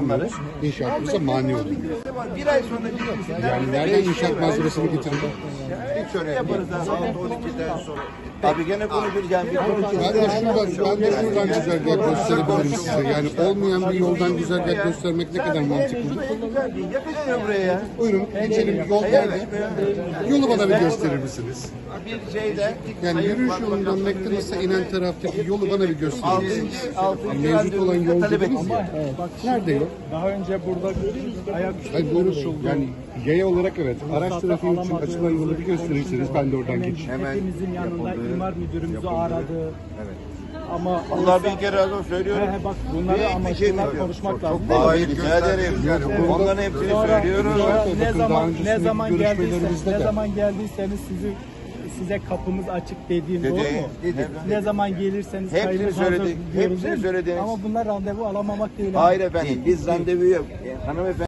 getirmiyoruz. İnşaatımıza mani oluyor. Bir ay sonra gitmişsin. Yani nereden inşaat malzemesini getirdin? Hiç öyle yaparız abi. Saat 12'den sonra. Abi gene konuşacağım. Ben de şuradan güzergah gösterebilirim size. Yani olmayan bir yoldan güzergah göstermek ne kadar mantıklı. Yakışmıyor buraya ya. Buyurun geçelim, yol nerede? Yolu bana bir gösterir misiniz? Bir şeyde. Yani yürüyüş yolundan McDonald's'a inen taraftaki yolu bana bir gösterir misiniz? 6. Mevcut olan yol dediniz ya. Nerede yol? Daha önce burada ayaküstü Hayır buyurun. Yani yaya olarak evet. Araç trafiği için açılan yolu bir gösterirseniz ben de oradan geçeyim. hepimizin yanında imar müdürümüzü aradı. Ama Allah bir kere razı olsun söylüyorum. bak bunları amaçlar konuşmak lazım. Hayır rica ederim. Onların hepsini söylüyoruz. Ne zaman geldiyseniz size kapımız açık dediğim doğru mu? Ne zaman gelirseniz Hepsini söyledik. Hepsini söylediniz. Ama bunlar randevu alamamak değil. Hayır efendim biz randevu yok. Hanımefendi